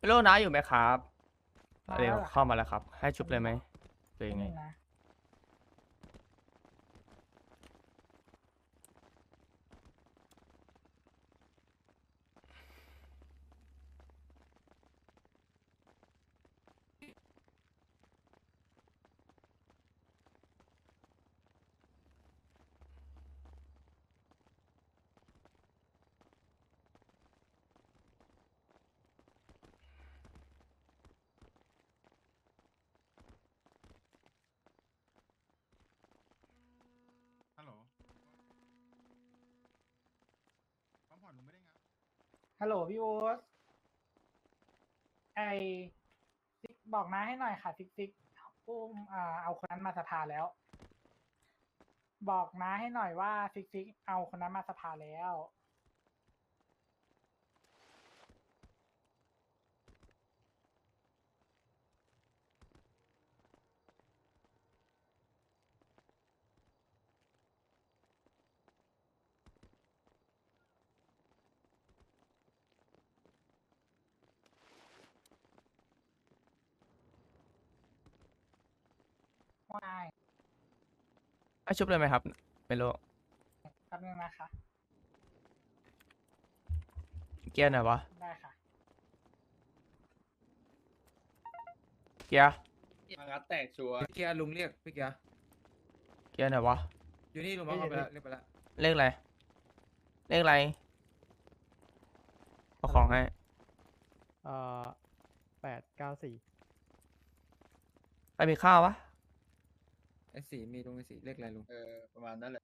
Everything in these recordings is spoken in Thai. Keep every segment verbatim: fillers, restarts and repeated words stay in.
โลนะอยู่ไหมครับมาเดี๋ยวแล้วเหรอครับเข้ามาแล้วครับ ให้ชุบเลยไหมหรือยังไงนิดนึงนะฮัลโหลปั๊มผ่อนหนูไม่ได้งานฮัลโหลพี่โอ๊ตไอซิกบอกน้าให้หน่อยค่ะซิกซิกอุ้มอ่าเอาคนนั้นมาสภาแล้ว บอกน้าให้หน่อยว่าซิกซิกเอาคนนั้นมาสภาแล้วว่าไงให้ชุบเลยไหมครับไม่รู้แป๊บนึงนะคะเกียร์ไหนวะได้ค่ะเกียร์มางัดแตกชัวร์พี่เกียร์ลุงเรียกพี่เกียร์เกียร์ไหนวะอยู่นี่ลุงมาเข้าไปแล้วเรียกไปแล้วเลขอะไรเลขอะไรเอาของให้เอ่อแปดเก้าสี่ไปมีข้าววะไอ้สีมีลุงไอ้สีเรียกอะไรลุงเออประมาณนั้นแหละ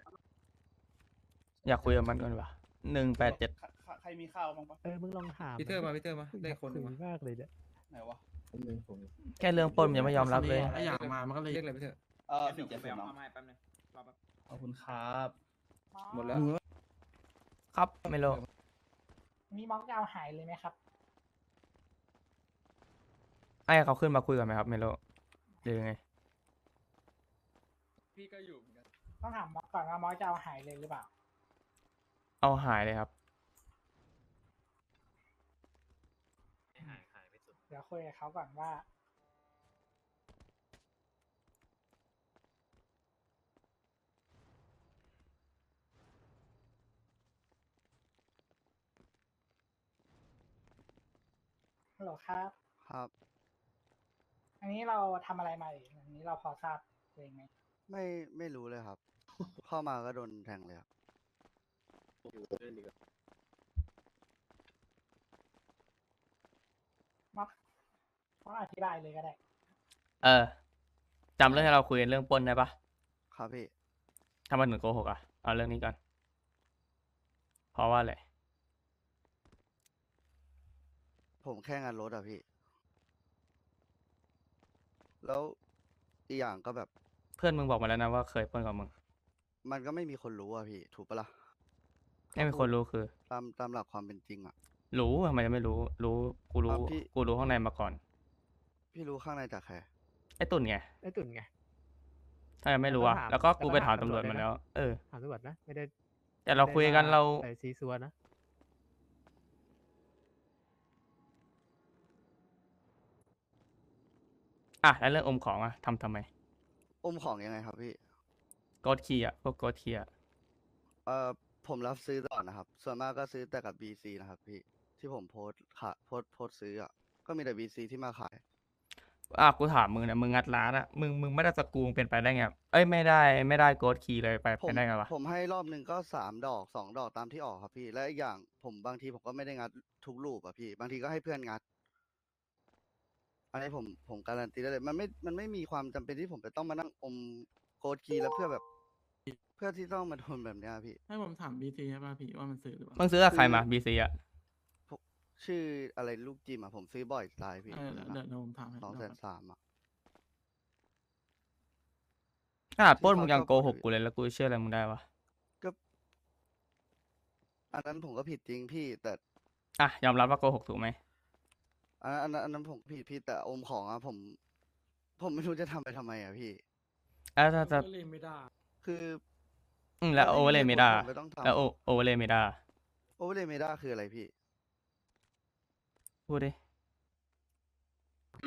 อยากคุยกับมันก่อนวะหนึ่งแปดเจ็ดใครใครมีข้าวบ้างปะเออ มึงลองถามพีเตอร์มาพีเตอร์มาได้คนหนึ่งคุมายมากเลยเนี่ยไหนวะแค่เรื่องปล้นมันยังไม่ยอมรับเลยถ้าอยากมามันก็เลยเรียกอะไรพีเตอร์เออสี่เจ็ดศูนย์เนาะขอบคุณครับหมดแล้วครับไม่รู้มีม็อกจะเอาหายเลยไหมครับให้เขาขึ้นมาคุยกันไหมครับไม่รู้หรือยังไงพี่ก็อยู่เหมือนกันต้องถามม็อกก่อนว่าม็อกจะเอาหายเลยหรือเปล่าเอาหายเลยครับเดี๋ยวคุยกับเขาก่อนว่า ฮัลโหลครับครับอันนี้เราทำอะไรมาอีกอันนี้เราพอทราบตัวเองไหมไม่ไม่รู้เลยครับ เข้ามาก็โดนแทงเลยครับม็อกม็อกอธิบายเลยก็ได้เออจำเรื่องที่เราคุยกันเรื่องปล้นได้ปะครับพี่ทำไมถึงโกหกอ่ะเอาเรื่องนี้ก่อนเพราะว่าอะไรผมแค่งานรถอะพี่ แล้วอีกอย่างก็แบบเพื่อนมึงบอกมาแล้วนะว่าเคยปล้นกับมึงมันก็ไม่มีคนรู้อะพี่ ถูกปะล่ะไม่มีคนรู้คือตามตามหลักความเป็นจริงอะรู้ทำไมจะไม่รู้ รู้ กูรู้อ่ะพี่กูรู้ข้างในมาก่อนพี่รู้ข้างในจากใครไอ้ตุ่นไงไอ้ตุ่นไงถ้ายังไม่รู้อ่ะแล้วก็ถามแล้วก็กูไปถามแล้วก็ถามตำรวจตำรวจมาด้วยนะแล้ว เออถามตำรวจนะ ไม่ได้แต่เราคุยกันเราใส่ซีซัวนะอ่ะแล้วเรื่องอมของอ่ะทำทำไมอมของยังไงครับพี่โกดคีย์อ่ะ พวกโกดคีย์อ่ะเอ่อ ผมรับซื้อตลอดนะครับ ส่วนมากก็ซื้อแต่กับ บี ซี นะครับพี่ ที่ผมโพสต์ค่ะโพสต์โพสต์ซื้ออะก็มีแต่ บี ซี ที่มาขายอ่ะกูถามมึงนะมึงงัดร้านอ่ะ มึง มึงไม่ได้สกรูมึงเป็นไปได้ไง เอ้ย ไม่ได้ ไม่ได้โกดคีย์เลยไปผมไปได้ไงวะผมให้รอบหนึ่งก็สามดอกสองดอกตามที่ออกครับพี่ และอีกอย่างผมบางทีผมก็ไม่ได้งัดทุกรูปอะพี่ บางทีก็ให้เพื่อนงัด อันนี้ผมผมการันตีได้เลย มันไม่มันไม่มีความจำเป็นที่ผมจะต้องมานั่งอมโค้ดคีย์แล้วเพื่อแบบ เพื่อที่ต้องมาโดนแบบเนี้ยพี่ให้ผมถามบีซีใช่ป่ะพี่ว่ามันซื้อหรือเปล่ามึงซื้อกับใครมา บี ซี อ่ะชื่ออะไรลูกจิมอะผมซื้อบ่อยตายพี่เออเดี๋ยวเดี๋ยวเดี๋ยวผมถามให้สองแสเดี๋ยนวสามอะขนาดปล้นมึงยังที่โกเขาหกกูเลยแล้วกูเชื่ออะไรมึงได้วะก็อันนั้นผมก็ผิดจริงพี่ แต่อ่ะ ยอมรับว่าโกหกถูกไหมอันนั้นอันนั้นอันนั้นผมผิดพี่แต่อมของอะผม ผมไม่รู้จะทำไปทำไมอะพี่แล้วถ้าจะก็เลยไม่ได้คืออืมแล้วโอเวอร์เลยไม่ได้ผมไม่ต้องทำแล้วโอเวอร์เลยไม่ได้โอเวอร์เลยเมด้าคืออะไรพี่พูดดิ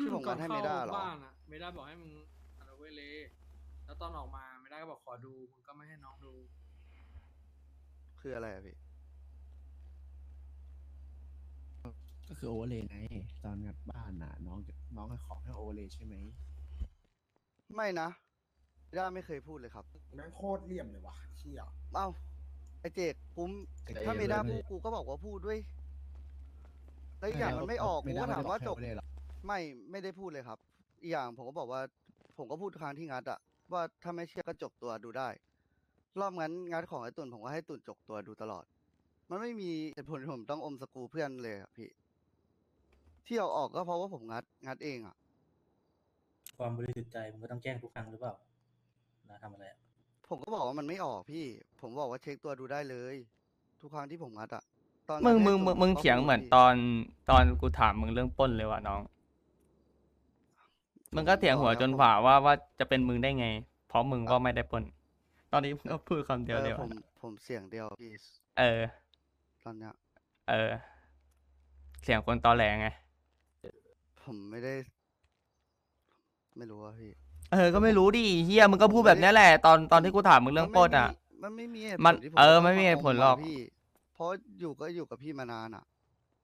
ที่ผมงัดให้เมด้าเหรอบ้านอะเมด้าบอกให้มึงอันเวเลแล้วตอนออกมาเมด้าก็บอกขอดูมึงก็ไม่ให้น้องดูคืออะไรอะพี่ก็คือโอเวอร์เลยไงตอนงัดบ้านน่ะ น้องน้องให้ขอให้โอเวอร์เลยใช่ไหมไม่นะเมด้าไม่เคยพูดเลยครับแม่งโคตรเหลี่ยมเลยว่ะเชี่ยเอ้าไอเจกปุ้มถ้าเมด้าพูดกูก็บอกว่าพูดด้วยแล้วอีกอย่างมันไม่ออกกูก็ถามว่าจบ ไม่ไม่ได้พูดเลยครับ อีกอย่างผมก็บอกว่า ผมก็พูดครั้งที่งัดอะว่าถ้าไม่เชื่อก็จกตัวดูได้ รอบงั้นงัดของไอ้ตุ่นผมก็ให้ตุ่นจกตัวดูตลอด มันไม่มีเหตุผลที่ผมต้องอมสกรูเพื่อนเลยอะพี่ ที่เอาออกก็เพราะว่าผมงัดงัดเองอะความบริสุทธิ์ใจมึงก็ต้องแจ้งทุกครั้งหรือเปล่านะทำอะไรผมก็บอกว่ามันไม่ออกพี่ ผมบอกว่าเช็คตัวดูได้เลย ทุกครั้งที่ผมงัดอะตอนมึงงัดมึงให้มึตุ่งนมึงผก็เถียงพูดเหมือนพี่ตอนตอนกูถามมึงเรื่องปล้นเลยว่ะน้อง มึงก็เถียงหัวจนฝ่าว่าว่าจะเป็นมึงได้ไง เพราะมึงก็ไม่ได้ปล้น ตอนนี้มึงก็พูดคำเดียวเอเลอย ผว่ะมผมเสียงเดียวพี่เออตอนเนี้ยเออ เสียงคนตอแหลไงผมไม่ได้ ไม่รู้อะพี่เออ ก็ไม่รู้ดิเฮียมึงก็พูดแบบนี้แหละ ตอนตอนที่กูถามมึงเรื่องปล้นอ่ะมันไม่มีเหตุมันผลที่ผเออจะไม่มีเหตุผลหรอกมาพี่ เพราะอยู่ก็อยู่กับพี่มานานอ่ะ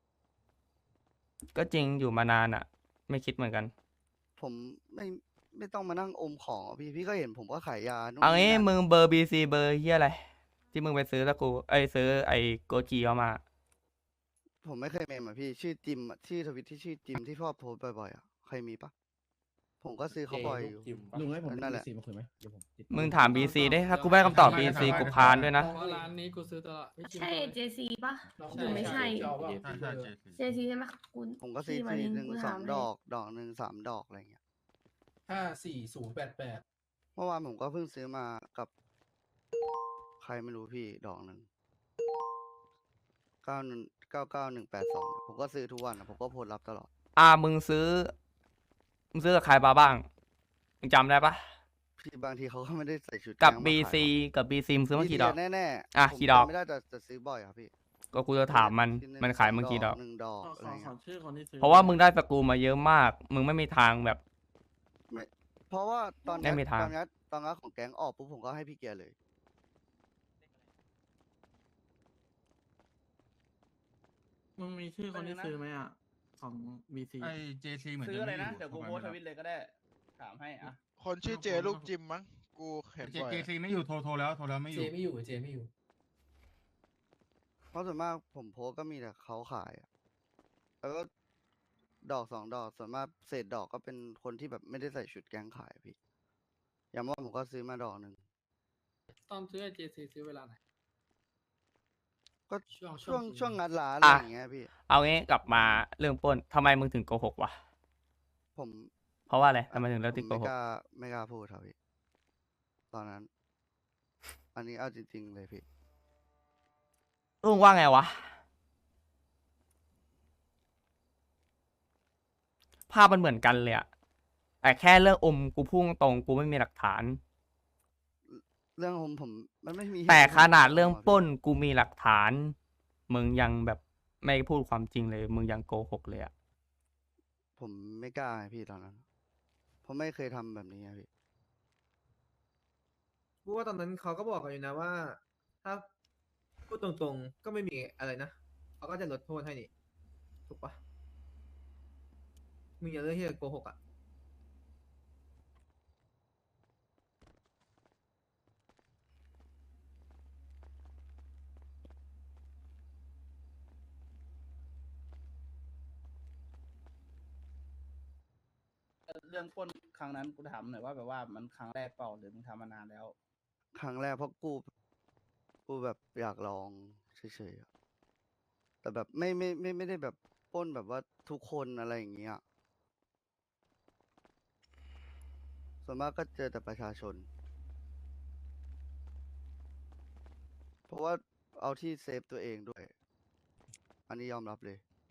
ก็จริงอยู่มานานอ่ะ ไม่คิดเหมือนกันผมไม่ไม่ต้องมานั่งอมของอะพี่พี่ก็เห็นผมก็ขายยานู่นเอางี้นี่นั่นมึงเบอร์บีซีเบอร์เฮียอะไร ที่มึงไปซื้อตะกูไอยซื้อไอโกจีเข้ามาผมไม่เคยเมมอ่ะพี่ชื่อจิมอะชื่อทวิตที่ชื่อจิมที่พ่อโพสต์บ่อยๆอ่ะใครมีปะผมก็ซื้อเขาบ่อยอยู่ลุงให้ผมนั่นแหละซีมาคุยไหมเดี๋ยวผมติดมึงถามบีซีได้ถ้ากูไม่ได้คำตอบบีซีกูพานด้วยนะเพราะร้านนี้กูซื้อตลอดไม่คิดใช่ว่าเจซีป่ะหรือไม่ใช่ เจซีใช่ไหมคุณผมก็ซื้อที่มาทีเรียนหนึ่งกูสถาอมงให้ดอก ดอกหนึ่งสามดอกอะไรเงี้ยห้าสี่ศูนย์แปดแปดเมื่อวานผมก็เพิ่งซื้อมากับใครไม่รู้พี่ดอกหนึ่งเก้าหนึ่งเก้าเก้าหนึ่งแปดสองผมก็ซื้อทุกวันอะผมก็โพสต์รับตลอดอ่ามึงซื้อ มึงซื้อกับใครมาบ้าง มึงจำได้ปะพี่บางทีเขาก็ไม่ได้ใส่ชุดกับแก๊งมาบีขายซีหรอกกับบีซีมึงซื้อมากี่ดอกแน่แน่ๆอ่ะผมกี่ดอกจำไม่ได้แต่จะซื้อบ่อยครับพี่ก็กูจะถามมันชิ้หงมันขายมึงกี่ดอกหนึ่งดอกขออะขไรอขอเงี้ยชื่อคนที่ซื้อเพราะว่ามึงได้สกรูมาเยอะมาก มึงไม่มีทางแบบเพราะว่าตอนไม่งัดมีทางตอนงัดตอนงัดของแก๊งออกปุ๊บผมก็ให้พี่เกียร์เลยมึงมีชื่อคนที่ซื้อไหมอ่ะ ของบีซีไอเจซีเหมือนซื้ออะไรนะจเดี๋ยวกูโพสต์ทวิตเลยก็ได้ ถามให้อ่ะคนชื่อเจลูกจิมมั้งกูเห็นบ่อยเจซีไม่อยู่โทรโทรแล้วโทรแล้วไม่อเจยู่ไม่อยู่เจไม่อยู่เพราะส่วนมากผมโพสต์ก็มีแต่เขาขายอะแล้วก็ดอกสองดอกส่วนมากเศษดอกก็เป็นคนที่แบบไม่ได้ใส่ชุดแก๊งขายอะพี่ อย่างว่าผมก็ซื้อมาดอกหนึ่งตอนซื้อเจซีซื้อเวลาไหนก็ช่วงช่วงซื้อช่วงงัดร้านอะไรอ่ะอย่างเงี้ยพี่เอางี้กลับมาเรื่องปล้นทำไมมึงถึงโกหกวะผมเพราะว่าอะไรทำไมถึงผเลือกที่มโกไม่หกกล้าไม่กล้าพูดครับพี่ ตอนนั้น อันนี้เอาจริงๆเลยพี่ลุงว่าไงวะ ภาพมันเหมือนกันเลยอะแต่แค่เรื่องอมกูพุ่งตรงกูไม่มีหลักฐานเรื่องผมผมมันไม่มีเหตุแต่ผลขนาดเรื่องะพี่ปล้นกูมีหลักฐาน มึงยังแบบไม่พูดความจริงเลย มึงยังโกหกเลยอะผมไม่กล้าไงพี่ตอนนั้น ผมไม่เคยทำแบบนี้ไงพี่กูว่าตอนนั้นเขาก็บอกกันอยู่นะว่า ถ้าพูดตรงๆก็ไม่มีอะไรนะเขาก็จะลดโทษให้นี่ถูกปะมึงอย่าเลือกที่จะโกหกอ่ะเรื่องปล้นครั้งนั้นกูถามหน่อยว่าแบบว่ามันครั้งแรกเปล่าหรือมึงทำมานานแล้วครั้งแรกเพราะกูกูแบบอยากลองเฉยๆอะแต่แบบไม่ไม่ไม่ไม่ได้แบบปล้นแบบว่าทุกคนอะไรอย่างเงี้ยส่วนมากก็เจอแต่ประชาชน เพราะว่าเอาที่เซฟตัวเองด้วย อันนี้ยอมรับเลย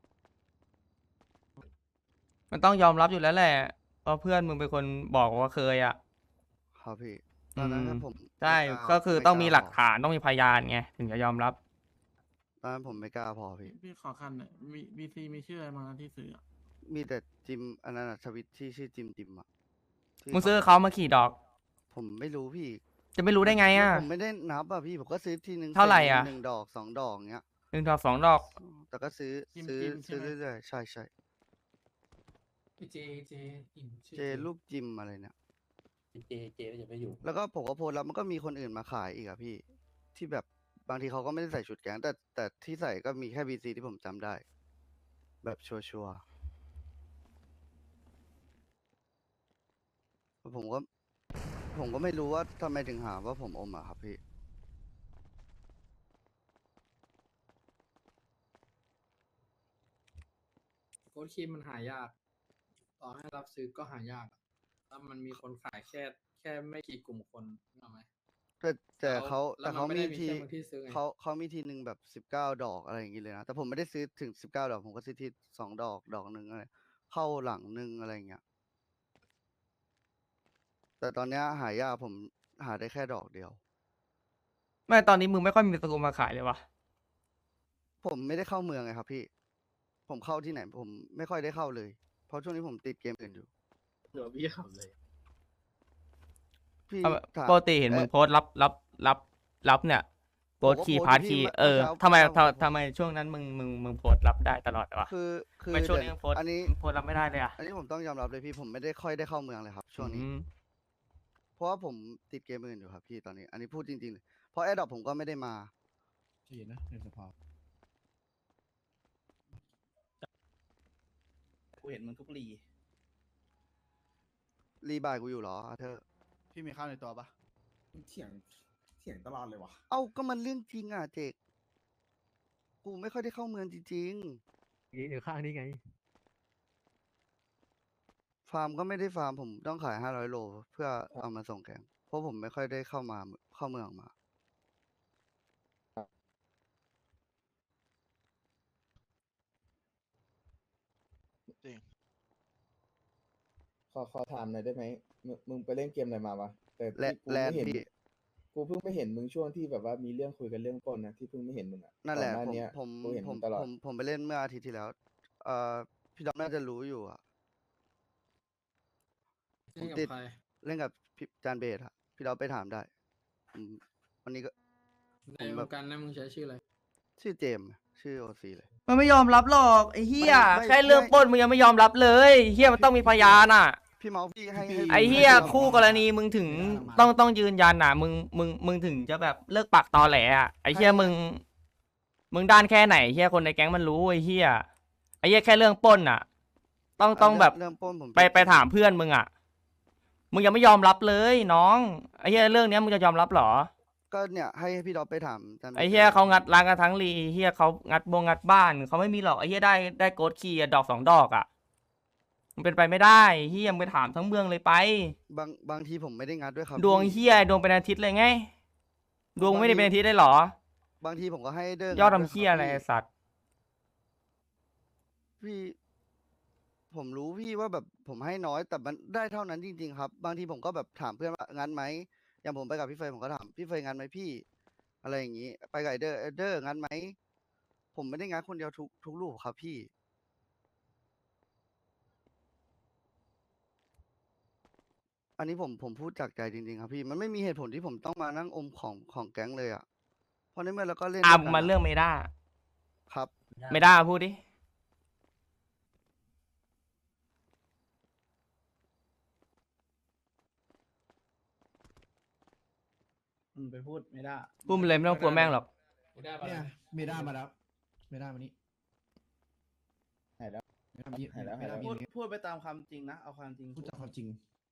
มันต้องยอมรับอยู่แล้วแหละเพราะเพื่อนมึงเป็นคนบอกว่าเคยอะครับพี่ตอนนั้นอืมถ้าผมใช่ไม่ล้าก็คือไม่ต้องมีล้าหลักพอฐานต้องมีพยานไงถึงจะยอมรับตอนนั้นผมไม่กล้าพอพี่พี่ขอคันหน่อยบีซีมีชื่ออะไรมาที่ซื้ออะมีแต่จิมอันนั้นอะทวิตที่ชื่อจิมจิมอะที่มึงซื้อเขามาขี่ดอกผมไม่รู้พี่จะไม่รู้ได้ไงอ่ะผมไม่ได้นับอะพี่ผมก็ซื้อทีนึงเท่าไหร่อะหนึ่งดอกสองดอกเงี้ยหนึ่งดอกสองดอกแต่ก็ซื้อจิมซื้อจิมใช่ซื้อไหมเรื่อยๆใช่ใช่เจเจอิ่มชื่อเจลูกจิมอะไรเนี่ยเจเจก็จะไม่อยู่แล้วก็ผมก็โพสต์แล้วมันก็มีคนอื่นมาขายอีกอะพี่ ที่แบบบางทีเขาก็ไม่ได้ใส่ชุดแก๊งแต่แต่ที่ใส่ก็มีแค่บีซีที่ผมจำได้ แบบชัวร์ๆผมก็ ผมก็ไม่รู้ว่าทำไมถึงหาว่าผมอมอะครับพี่โค้ดคีมมันหายาก ต่อให้รับซื้อก็หายากอะแล้วมันมีคนขายแค่แค่ไม่กี่กลุ่มคนนึกออกไหมแต่แต่แล้วเขาแล้วแต่มันเขาไม่มีได้มีทีแค่คนที่ซื้อไงเขาเขามีทีหนึ่งแบบสิบเก้าดอกอะไรอย่างงี้เลยนะแต่ผมไม่ได้ซื้อถึงสิบเก้าดอกผมก็ซื้อที่สองดอกดอกหนึ่งอะไรเข้าหลังหนึ่งอะไรอย่างเงี้ยแต่ตอนเนี้ยหายากผมหาได้แค่ดอกเดียวไม่ตอนนี้มึงไม่ค่อยมีสกุลมาขายเลยวะผมไม่ได้เข้าเมืองไงครับพี่ ผมเข้าที่ไหนผมไม่ค่อยได้เข้าเลย เพราะช่วงนี้ผมติดเกมอื่นอยู่เดี๋ยวพี่ขับเลยพี่เอาถามปกติเห็นมึงเอ่อโพสต์รับรับรับรับเนี่ยโพสต์ผมก็ขี่โพสต์พาร์ทอยู่ขี่ที่เออเมื่อเช้าทำไมเมื่อเช้าผมทำทำไมช่วงนั้นมึงมึงมึงโพสต์รับได้ตลอดวะคือคือไม่ช่วงเดี๋นี้ยวมึงโพสต์อันนี้มึงโพสต์รับไม่ได้เลยอ่ะอันนี้ผมต้องยอมรับเลยพี่ผมไม่ได้ค่อยได้เข้าเมืองเลยครับ ช่วงนี้อืมเพราะว่าผมติดเกมอื่นอยู่ครับพี่ตอนนี้ อันนี้พูดจริงๆเลยเพราะแอดดอปผมก็ไม่ได้มาใช่นะในสภากูเห็นมึงทุกลีรีบายกูอยู่เหรออาเธอร์พี่มีข้าวในตัวปะเถียงเถียงตลอดเลยวะเอ้าก็มันเรื่องจริงอ่ะเจกกูไม่ค่อยได้เข้าเมืองจริงนี่อยู่ข้างนี่ไงๆ ฟาร์มก็ไม่ได้ฟาร์มผมต้องขายห้าร้อยโลเพื่อเอามาส่งแกงเพราะผมไม่ค่อยได้เข้ามาเข้าเมืองมาจริงขอขอถามหน่อยได้ไหมมึงมึงไปเล่นเกมอะไรมาวะแต่และที่กูแลนไม่เห็นพี่กูเพิ่งไม่เห็นมึงช่วงที่แบบว่ามีเรื่องคุยกันเรื่องปล้นนะที่เพิ่งไม่เห็นมึงอ่ะนั่นแหละก่อผมเนี้ยผมกูเห็นผมึมงตลอดผมผมไปเล่นเมื่ออาทิตย์ที่แล้วเอ่อพี่ดอมน่าจะรู้อยู่อ่ะเล่นกับติดใครเล่นกับพี่จานเบสอะพี่ดอมไปถามได้อืมวันนี้ก็ในผมวแบบงการนั้นมึงใช้ชื่ออะไรชื่อเจมส์ชื่อโอซีเลยมันไม่ยอมรับหรอกไอ้เฮียไม่ไม่แค่เรื่องไม่ปล้นมึงยังไม่ยอมรับเลยเฮียมันต้องมีพยานอ่ะพี่เมาส์พี่ให้ให้ไอ้เฮียคู่กรณีมึงถึงต้องต้องยืนยันอ่ะ มึงมึงมึงถึงจะแบบเลิกปากตอแหลอ่ะไอ้เฮียมึง มึงด้านแค่ไหนเฮียคนในแก๊งมันรู้ไอ้เฮียไอ้เฮียแค่เรื่องปล้นอ่ะ ต้องต้องแบบเริ่มปล้นผมไปไปถามเพื่อนมึงอ่ะ มึงยังไม่ยอมรับเลยน้องไอ้เฮียเรื่องเนี้ยมึงจะยอมรับเหรอก็เนี่ยให้พี่ดอมไปถามจานบสไอ้เฮียเขางัดร้านกันทั้งรีเฮียเขางัดบงงัดบ้านเขาไม่มีหรอกไอ้เฮียได้ได้โกดคีย์อะดอกสองดอกอ่ะมันเป็นไปไม่ได้เฮียมึงไปถามทั้งเมืองเลยไปบางบางทีผมไม่ได้งัดด้วยครับดวงพี่เฮียดวงเป็นอาทิตย์เลยไง ดวงไม่ได้เป็นอาทิตย์ได้หรอบางทีผมก็ให้เดินยอดงัทำวเฮียอะไรคบไอ้พี่สัตว์พี่ ผมรู้พี่ว่าแบบผมให้น้อยแต่มันได้เท่านั้นจริง ๆ ครับ บางทีผมก็แบบถามเพื่อนว่างั้นไหมอย่างผมไปกับพี่เฟยผมก็ถามพี่เฟยงั้นไหมพี่ อะไรอย่างนี้ ไปกับไอเดอร์ไอเดอร์งั้นไหมผมไม่ได้งั้นคนเดียวทุกทุกลูกครับพี่ อันนี้ผมผมพูดจากใจจริงๆครับพี่ มันไม่มีเหตุผลที่ผมต้องมานั่งอมของของแก๊งเลยอ่ะเพราะในเมื่อเราก็เล่นอ่ะด้วยกันมาเรื่องเมด้าครับเมด้าพูดดิมึงไปพูดไม่ได้พูดมาเลยไม่ต้องกลัวแม่งหรอกไม่ได้ปะเนี่ยเมด้ามาแล้วเมด้ามานี่หายแล้วเมด้ามานี่หายแล้วเมหายแล้ด้าว มาพูดนี่พูดไปตามความจริงนะ เอาความจริงพูดจากความจริง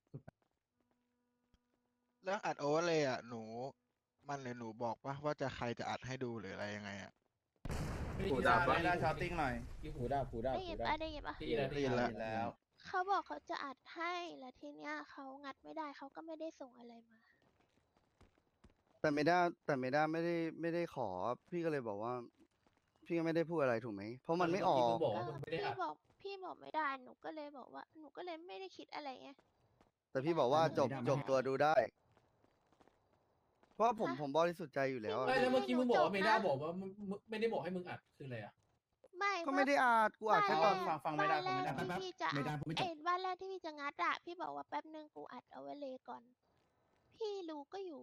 เรื่องอัดโอเวอร์เลยอ่ะหนู มันเลยหนูบอกว่าว่าจะใครจะอัดให้ดูหรืออะไรยังไงอ่ะพูดได้ไม่ได้ชาวติ้งหน่อยผูด้าผูด้าได้ยิผูนด้าปะได้ยินปะพี่ได้ได้ยินแล้วแล้วเขาบอกเขาจะอัดให้แล้วทีเนี้ยเขางัดไม่ได้เขาก็ไม่ได้ส่งอะไรมาแต่ไม่ได้แต่ไม่ได้ไม่ได้ไม่ได้ขอ พี่ก็เลยบอกว่า พี่ก็ไม่ได้พูดอะไรถูกไหมเพราะมันไม่ออกบอกว่าก็มึงไม่ได้พี่อัดบอกพี่บอกไม่ได้หนูก็เลยบอกว่าหนูก็เลยไม่ได้คิดอะไรไงแต่พี่บอกว่าจบไม่ได้จบตัวดูได้ เพราะว่าผมผมบริสุทธิ์ใจอยู่แล้วอะไม่ไม่แล้วเมื่อกี้มึงบอกว่าจบนะเมด้าบอกว่ามึงมึงไม่ได้บอกให้มึงอัดคืออะไรอ่ะไม่ก็เมื่ไม่อได้อาดกูอาดบ้านแค่แรตอนกฟังฟังไม่ได้บ้านฟัแรงไม่ได้ที่พี่จะไม่ได้อัดพูดไม่จบเอ้ยบ้านแรกที่พี่จะงัดอะพี่บอกว่าแป๊บนึงกูอัดเอาไว้เลยก่อน พี่รู้ก็อยู่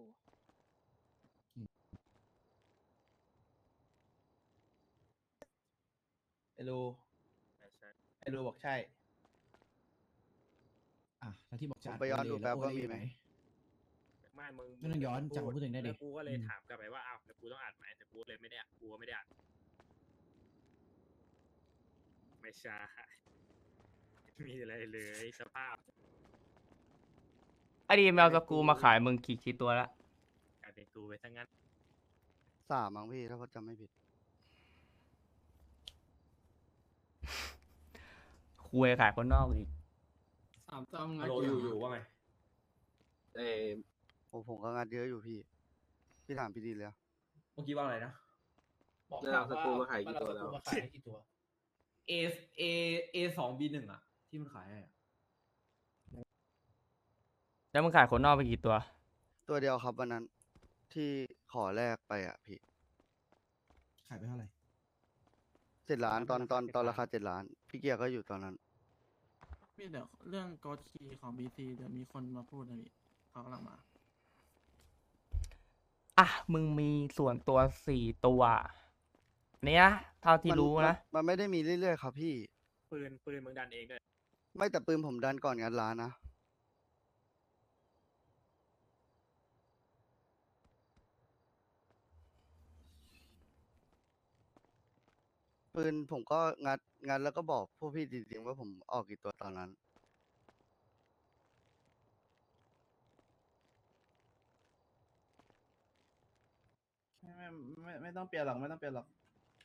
ไอ้รูไอ้รูบอกใช่อ่ะแล้วที่บอกผจะมอัดไปย้อนโเลดูแล้แป๊วบโอว่าเลมีอยู่ไหไหมนไม่มึงไม่ต้องย้อนมึจำมาพูดเองได้ดิแล้วกูก็เลยอืมถามกลับไปว่าอ้าวแล้วกูต้องอัดไหมแต่กูเลยไม่ได้อัดกูก็ไม่ได้อัดไม่ใช่ไม่มีอะไรเลยสภาพไอดีแมวสกรูมาขายมึงกี่กี่ตัวละกลายเป็นกูไปทั้งนั้นสามมั้งพี่ถ้าผมจำไม่ผิดคุยขายคนนอกอีกสามจำงัฮัดลโหลอยู่อยู่ว่าไงเออโอ้ผมก็งัดเยอะอยู่พี่ พี่ถามพี่ดีเลยอะเมื่อกี้ว่าอะไรนะบอกถามว่ามาขายกี่ตัวแล้วมาขายกี่ตัว A A A สอง B หนึ่งอ่ะ ที่มันขายให้อะแล้วมึงขายคนนอกไปกี่ตัวตัวเดียวครับวันนั้นที่ขอแลกไปอ่ะพี่ขายไปเท่าไหร่เจ็ดล้านตอนตอนตอนราคาเจ็ดล้าน พี่เกียร์ก็อยู่ตอนนั้นพี่เดี๋ยวเรื่องกอดคีย์ของบีซีเดี๋ยวมีคนมาพูดนะพี่เขากำลังมาอ่ะ มึงมีส่วนตัวสี่ตัว เนี้ยเท่าที่มันรู้มันนะมันไม่ได้มีเรื่อยๆครับพี่ปืนปืนมึงดันเองด้วยไม่แต่ปืนผมดันก่อนงัดร้านนะ ปืนผมก็งัดงัดแล้วก็บอกพวกพี่จริงๆว่าผมออกกี่ตัวตอนนั้นไม่ไม่ไม่ไม่ต้องเปลี่ยนหรอกไม่ต้องเปลี่ยนหรอก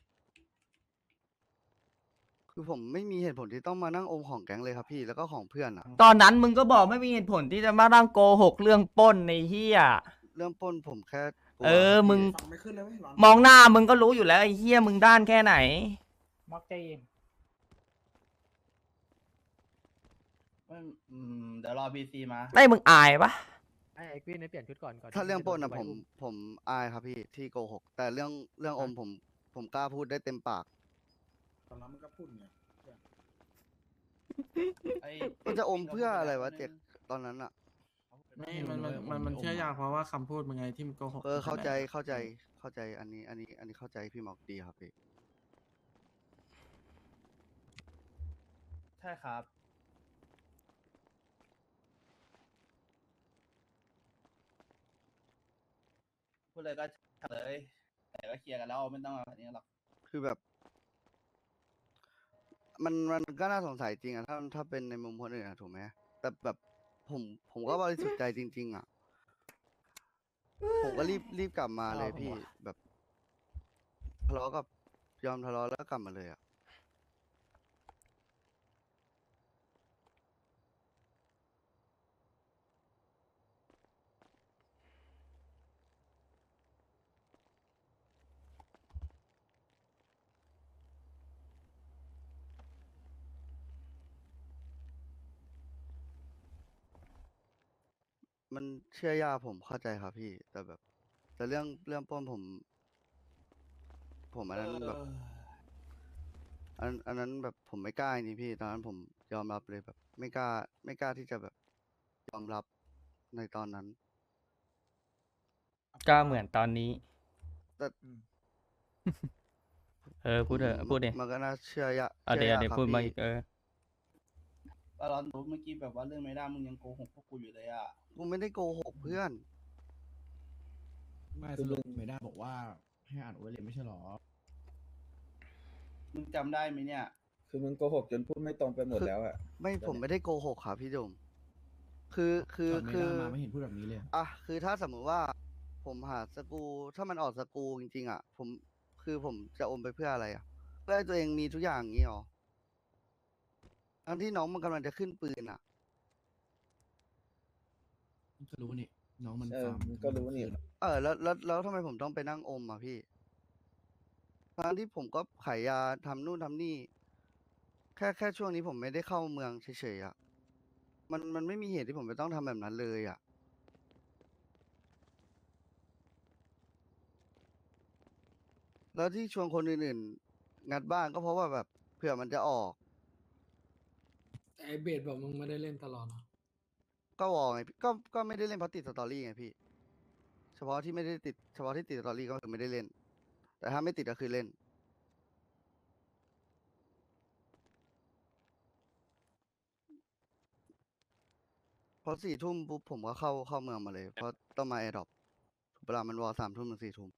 คือผมไม่มีเหตุผลที่ต้องมานั่งอมของแก๊งเลยครับพี่แล้วก็ของเพื่อนอะตอนนั้นมึงก็บอกไม่มีเหตุผลที่จะมานั่งโกหกเรื่องปล้นในเฮียเรื่องปล้นผมแค่กลัวเออครับมึงพี่ไม่ขึ้นเลยไม่ร้อนมองหน้ามึงก็รู้อยู่แล้วไอ้เฮียมึงด้านแค่ไหนม็อกใจเย็นไม่อืมเดี๋ยวรอ บี ซี มาไม่มึงอายปะไอ้ไอ้กวินให้เปลี่ยนชุดก่อนก่อนถ้าที่เรื่องจะปล้นโดอะไว้ผมอุ้ผมอายครับพี่ที่โกหก แต่เรื่องเรื่องอมผมผมกล้าพูดได้เต็มปากตอนนั้นมันก็พูดไงไอ้มันจะอมเพื่ออะไรวะเจ็กตอนนั้นอะไม่มันมันมันมันเชื่อยากเพราะว่าคำพูดมึงไงที่มึงโกหกเออเข้าใจตั้งแต่แรกเข้าใจเข้าใจอันนี้ อันนี้อันนี้เข้าใจพี่หมอกดีครับพี่ใช่ครับ พูดเลยก็เลยแต่ก็เคลียร์กันแล้วไม่ต้องมาแบบนี้หรอกคือแบบ มันมันก็น่าสงสัยจริงอะถ้าถ้าเป็นในมุมคนอื่นอะถูกไหมแต่แบบผมผมก็บริสุทธิ์ใจจริง ๆอะผมก็รีบรีบกลับมาเลยพี่แบบทะเลาะกับยอมทะเลาะแล้วก็กลับมาเลยอะ มันเชื่อยากผมเข้าใจครับพี่ แต่แบบ แต่เรื่องเรื่องปล้นผม ผมอันนั้นแบบ อันอันนั้นแบบผมไม่กล้าจริงๆพี่ตอนนั้นผมยอมรับเลยแบบ ไม่กล้า ไม่กล้าที่จะแบบยอมรับในตอนนั้นก็เหมือนตอนนี้แต่เออพูดเถอะพูดดิมันก็น่าเชื่อยากเอาเชื่เดี๋ยวอยากเดี๋ยวครับพูดมาพี่อีกเออตอนรู้เมื่อกี้แบบว่าเรื่องไม่ได้มึงยังโกหกพวกกูอยู่เลยอ่ะกูไม่ได้โกหกเพื่อนไม่สรุปไม่ได้บอกว่าให้อ่านโอเลไม่ใช่หรอมึงจำได้ไหมเนี่ยคือมึงโกหกจนพูดไม่ตรงไปหมดแล้วอะไม่ผมไม่ได้โกหกครับพี่ดม คือคือตอนไม่คือได้มาไม่เห็นพูดแบบนี้เลยอ่ะคือถ้าสมมุติว่า ผมหาสกรูถ้ามันออกสกรูจริงๆอ่ะ ผมคือผมจะอมไปเพื่ออะไรอ่ะ เพื่อให้ตัวเองมีทุกอย่างอย่างนี้หรอทั้งที่น้องมันกำลังจะขึ้นปืนอ่ะก็รู้นี่ น้องมันเออฟาร์มมึงก็รู้นี่เออแล้วแล้วแล้วทำไมผมต้องไปนั่งอมอ่ะพี่ทั้งที่ผมก็ขายยาทำนู่นทำนี่ แค่แค่ช่วงนี้ผมไม่ได้เข้าเมืองเฉยๆอ่ะ มันมันไม่มีเหตุที่ผมจะต้องทำแบบนั้นเลยอ่ะ แล้วที่ชวนคนอื่นๆงัดบ้านก็เพราะว่าแบบเผื่อมันจะออกแต่ไอเบสบอกมึงไม่ได้เล่นตลอดนะก็วอลไงพี่ก็ก็ไม่ได้เล่นเพราะติดสตอรี่ไงพี่ เฉพาะที่ไม่ได้ติดเฉพาะที่ติดสตอรี่ก็คือไม่ได้เล่น แต่ถ้าไม่ติดก็คือเล่น พอสี่ทุ่มปุ๊บผมก็เข้าเข้าเมืองมาเลย เพราะต้องมาแอร์ดรอปเวลามันวอลสามทุ่มถึงสี่ทุ่ม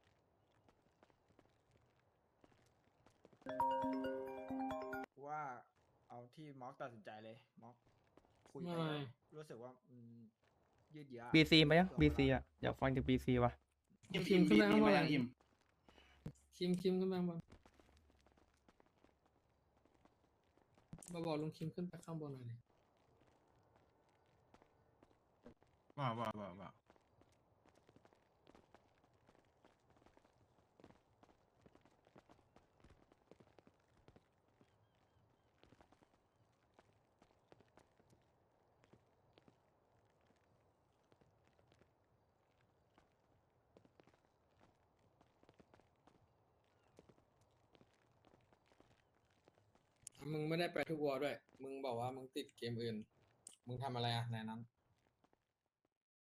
ว่าเอาที่ม็อกตัดสินใจเลยม็อกคุยไม่ไปแล้วรู้สึกว่ามันยืดเยื้อบีซีไหมยังบีซีอ่ะอยากฟังจากบีซีว่ะคิมคิมขึ้นไปข้างบนอิ่มอิ่มคิมคิมขึ้นไปข้างบนมาบอกลุงคิมขึ้นไปข้างบนหน่อยดิว่าว่าว่าว่ามึงไม่ได้ไปทุกวอร์ด้วย มึงบอกว่ามึงติดเกมอื่น มึงทำอะไรอ่ะในนั้น